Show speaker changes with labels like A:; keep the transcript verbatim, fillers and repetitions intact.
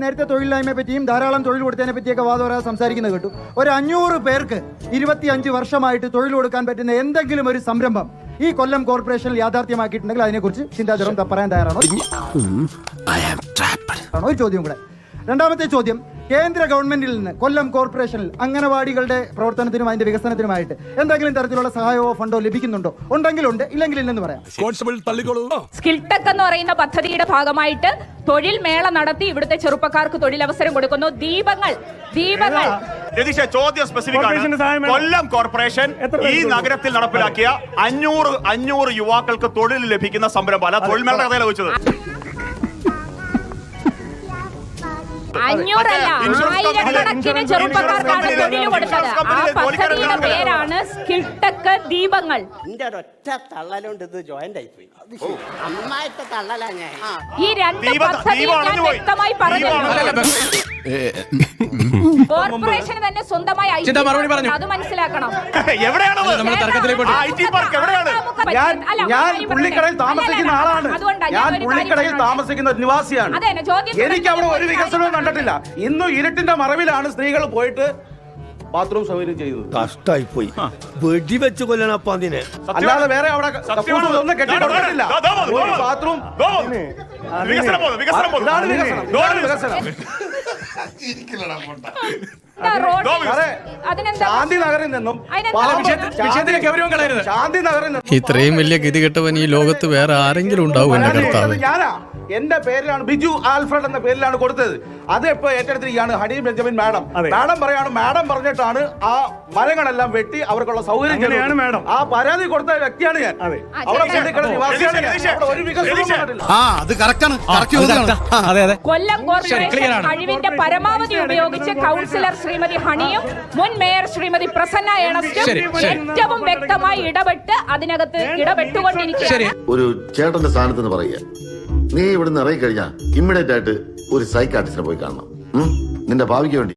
A: നേരത്തെ തൊഴിലില്ലായ്മയെ പറ്റിയും ധാരാളം തൊഴിൽ കൊടുത്തതിനെ പറ്റിയൊക്കെ വാദവരാതെ സംസാരിക്കുന്നത് കേട്ടു. ഒരു അഞ്ഞൂറ് പേർക്ക് ഇരുപത്തിയഞ്ച് വർഷമായിട്ട് തൊഴിൽ കൊടുക്കാൻ പറ്റുന്ന എന്തെങ്കിലും ഒരു സംരംഭം ഈ കൊല്ലം കോർപ്പറേഷനിൽ യാഥാർത്ഥ്യമാക്കിയിട്ടുണ്ടെങ്കിൽ അതിനെക്കുറിച്ച് ചിന്താ ജെറോം പറയാൻ തയ്യാറാണോ? ഒരു ചോദ്യം കൂടെ. രണ്ടാമത്തെ ചോദ്യം, കേന്ദ്ര ഗവൺമെന്റിൽ നിന്ന് കൊല്ലം കോർപ്പറേഷനിൽ അംഗനവാടികളുടെ പ്രവർത്തനത്തിനും അതിന്റെ വികസനത്തിനുമായിട്ട് എന്തെങ്കിലും തരത്തിലുള്ള സഹായമോ ഫണ്ടോ ലഭിക്കുന്നുണ്ടോ? ഉണ്ടെങ്കിലുണ്ട്, ഇല്ലെങ്കിൽ ഇല്ലെന്ന് പറയാം.
B: സ്കിൽ ടെക് എന്ന് പറയുന്ന പദ്ധതിയുടെ ഭാഗമായിട്ട് തൊഴിൽ മേള നടത്തി ഇവിടുത്തെ ചെറുപ്പക്കാർക്ക് തൊഴിലവസരം കൊടുക്കുന്നു. ദീപങ്ങൾ ദീപങ്ങൾ
C: ചോദ്യം സ്പെസിഫിക് ആണ്. കൊല്ലം കോർപ്പറേഷൻ ഈ നഗരത്തിൽ നടപ്പിലാക്കിയ അഞ്ഞൂറ് അഞ്ഞൂറ് യുവാക്കൾക്ക് തൊഴിൽ ലഭിക്കുന്ന സംരംഭം അല്ല തൊഴിൽ മേള കഥയിലാണ് വെച്ചത്.
B: അഞ്ഞൂറല്ല, ആയിരക്കണക്കിന് ചെറുപ്പക്കാർക്കാണ് തൊഴിൽ കൊടുത്തത്. ആ പദ്ധതിയുടെ പേരാണ് സ്കിൽ ടെക് ദീപങ്ങൾ. ഈ രണ്ട് പദ്ധതിയും ഞാൻ വ്യക്തമായി പറഞ്ഞു. കോർപ്പറേഷന് തന്നെ സ്വന്തമായി അത് മനസ്സിലാക്കണം.
D: ഞാൻ പുള്ളിക്കടയിൽ താമസിക്കുന്ന ആളാണ്. ഞാൻ പുള്ളിക്കടയിൽ താമസിക്കുന്ന നിവാസിയാണ്. എനിക്ക് അവിടെ ഒരു വികസനവും കണ്ടിട്ടില്ല. ഇന്നും ഇരുട്ടിന്റെ മറവിലാണ് സ്ത്രീകൾ പോയിട്ട് ബാത്റൂം സൗകര്യം ചെയ്തത്.
E: കഷ്ടായി പോയി വെടിവെച്ച് കൊല്ലണം അതിനെ.
D: അല്ലാതെ വേറെ അവിടെ ഒന്നും കെട്ടിക്കൊടുത്തിട്ടില്ല. ബാത്റൂം ഇതാണ് വികസനം. ശാന്തി നഗറിൽ നിന്നും ശാന്തി നഗറിൽ നിന്നും
F: ഇത്രയും വലിയ ഗതികെട്ടവൻ ഈ ലോകത്ത് വേറെ ആരെങ്കിലും ഉണ്ടാവും? എന്റെ കർത്താവ്,
D: ഞാനാ എന്റെ പേരിലാണ് ബിജു ആൽഫ്രഡ് എന്ന പേരിലാണ് കൊടുത്തത്. അത് ഇപ്പൊ ഏറ്റെടുത്തിരിക്കുകയാണ് ഹണി ബെഞ്ചമിൻ മാഡം. മാഡം പറയാണ്, മാഡം പറഞ്ഞിട്ടാണ് ആ മരങ്ങളെല്ലാം വെട്ടി അവർക്കുള്ള സൗകര്യം ചെയ്തത്. മാഡം ആ പരാതി കൊടുത്ത വ്യക്തിയാണ് ഞാൻ. അവിടെ നിവാസിയാണ് ഞാൻ. ഒരു വികസനവും
B: കൊല്ലം കോർപ്പറേഷൻ കഴിവിന്റെ പരമാവധി ഉപയോഗിച്ച് കൗൺസിലർ ശ്രീമതി ഹണിയും മുൻ മേയർ ശ്രീമതി പ്രസന്ന ഏണസ്റ്റും ഏറ്റവും വ്യക്തമായി ഇടപെട്ട് അതിനകത്ത് ഇടപെട്ടുകൊണ്ടിരിക്കുകയാണ്.
G: ഒരു ചേട്ടന്റെ സ്ഥാനത്ത് നിന്ന് പറയുക, നീ ഇവിടുന്ന് ഇറങ്ങി കഴിഞ്ഞാൽ ഇമ്മീഡിയറ്റ് ആയിട്ട് ഒരു സൈക്കാട്രിസ്റ്റിനെ പോയി കാണണം, നിന്റെ ഭാവിക്ക് വേണ്ടി.